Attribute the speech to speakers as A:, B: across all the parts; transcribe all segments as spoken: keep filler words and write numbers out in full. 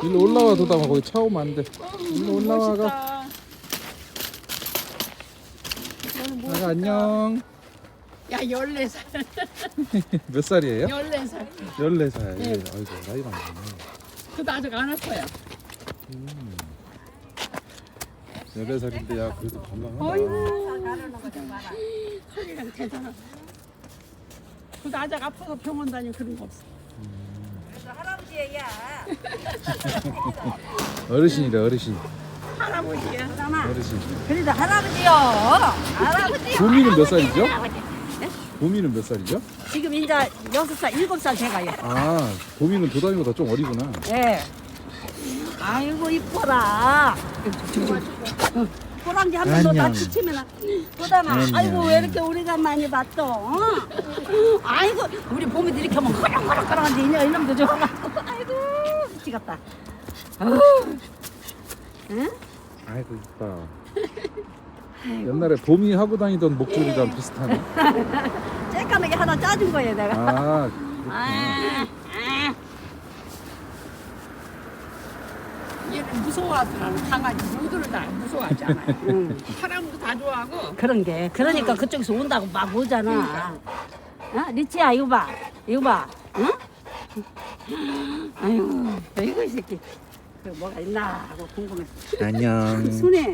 A: 일로 올라와 도담아. 거기 차 오면 안 돼. 일로 올라와가. 나가 안녕.
B: 야, 열네 살.
A: 몇 살이에요?
B: 열네 살.
A: 열네 살.
B: 네.
A: 아이고 나이 많네.
B: 그도 아직 안 왔어요.
A: 음. 열네 살인데 야 그래도 건강하다.
B: 어이구. 소리가 대단하다. 그도 아직 아파서 병원 다니고 그런 거 없어.
C: 할아버지야.
A: 어르신이래 어르신.
B: 할아버지야.
A: 어르신.
C: 그래도 할아버지요. 할아버지.
A: 보미는 몇 살이죠? 보미는 몇 살이죠?
C: 지금 이제 여섯 살, 일곱 살 돼가요.
A: 아 보미는 도담이보다 좀 어리구나.
C: 예. 아이고 이뻐라. 호랑이 한 번 더
A: 안녕.
C: 다치치면 보다마.
A: 안녕.
C: 아이고 왜 이렇게 우리가 많이 봤어? 어? 아이고 우리 봄이도 이렇게 하면 허락허락허락한데 이놈 이놈도 좋아갖고. 아이고 미치겠다. 아우. 응?
A: 아이고 이뻐. 옛날에 봄이 하고 다니던 목줄이랑
C: 예.
A: 비슷하네.
C: 쬐까맣게 하나 짜준 거예요 내가.
A: 아 그렇구나.
C: 아, 아.
B: 얘는 무서워하더라고. 강아지 모두를 다 무서워하지 않아요.
C: 응.
B: 사람도 다 좋아하고.
C: 그런 게 그러니까 그쪽에서 온다고 막 오잖아. 어? 리치야 이거 봐, 이거 봐, 응? 아유, 이거 이 새끼 그 뭐가 있나 하고 궁금해.
A: 안녕.
C: 순해.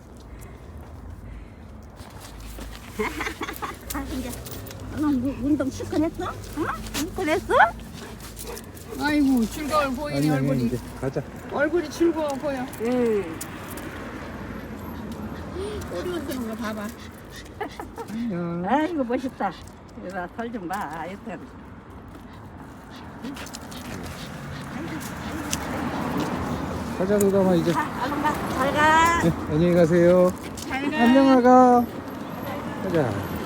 C: 아 이제 너 운동 실컷 했어? 응? 실컷 했어?
B: 아이고 즐거워 보이네
A: 안녕
B: 얼굴이.
A: 이제 가자.
B: 얼굴이 즐거워 보여.
C: 응.
B: 꼬리 흔드는 거 봐봐.
A: 안녕.
C: 아이고 멋있다. 이거 설좀 봐. 여튼.
A: 가자 도담아 이제.
C: 자, 얼른 가. 잘 가.
A: 네, 안녕히 가세요.
B: 잘 가.
A: 안녕 아가. 가자.